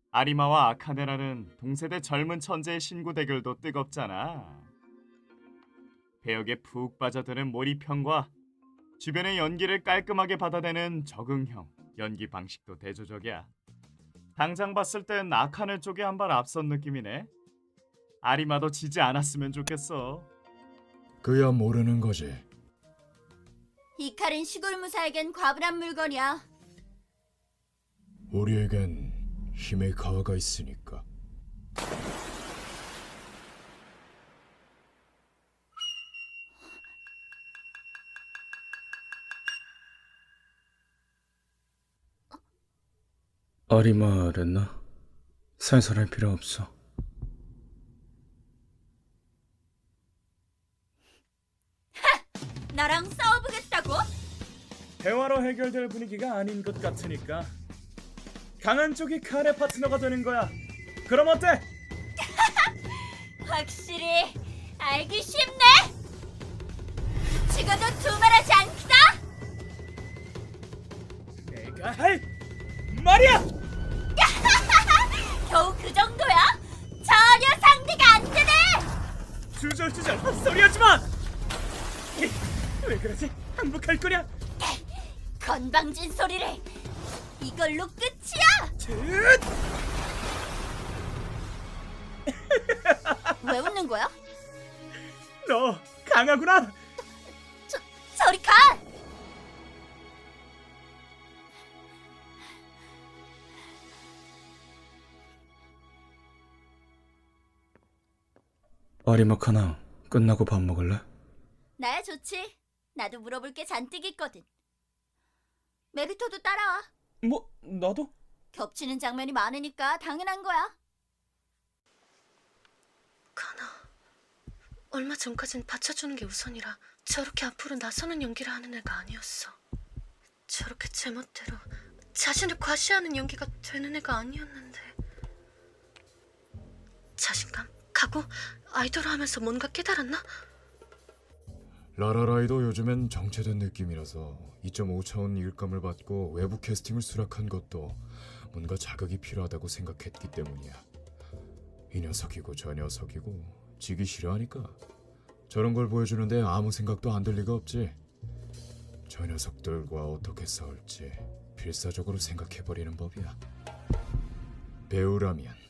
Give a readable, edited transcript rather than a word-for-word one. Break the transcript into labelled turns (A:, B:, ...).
A: 아리마와 아카네라는 동세대 젊은 천재의 신구 대결도 뜨겁잖아. 배역에 푹 빠져드는 몰입형과 주변의 연기를 깔끔하게 받아내는 적응형 연기 방식도 대조적이야. 당장 봤을 땐 아카네 쪽에 한 발 앞선 느낌이네. 아리마도 지지 않았으면 좋겠어.
B: 그야 모르는 거지.
C: 이 칼은 시골 무사에겐 과분한 물건이야.
B: 우리에겐 힘의 가와가 있으니까.
D: 아리마 랬나? 살살할 필요 없어.
C: 나랑 싸워보겠다고?
A: 대화로 해결될 분위기가 아닌 것 같으니까 강한 쪽이 칼의 파트너가 되는 거야. 그럼 어때?
C: 확실히 알기 쉽네. 죽어도 두말하지 않기다.
A: 내가 할 말이야.
C: 겨우 그 정도야? 전혀 상대가 안 되네.
A: 주절주절 헛소리하지 마. 왜 그러지? 항복할 거냐?
C: 건방진 소리를. 이걸로 끝이야. 왜 웃는 거야?
A: 너 강하구나.
C: 저리 가.
D: 아리마 카나, 끝나고 밥 먹을래?
C: 나야 좋지. 나도 물어볼 게 잔뜩 있거든. 메리토도 따라와.
A: 뭐 나도?
C: 겹치는 장면이 많으니까 당연한 거야.
E: 카나, 얼마 전까진 받쳐주는 게 우선이라 저렇게 앞으로 나서는 연기를 하는 애가 아니었어. 저렇게 제멋대로 자신을 과시하는 연기가 되는 애가 아니었는데. 자신감, 각오, 아이돌을 하면서 뭔가 깨달았나?
B: 라라라이도 요즘엔 정체된 느낌이라서 2.5차원 일감을 받고 외부 캐스팅을 수락한 것도 뭔가 자극이 필요하다고 생각했기 때문이야. 이 녀석이고 저 녀석이고 지기 싫어하니까 저런 걸 보여주는데 아무 생각도 안 들 리가 없지. 저 녀석들과 어떻게 싸울지 필사적으로 생각해버리는 법이야. 배우라면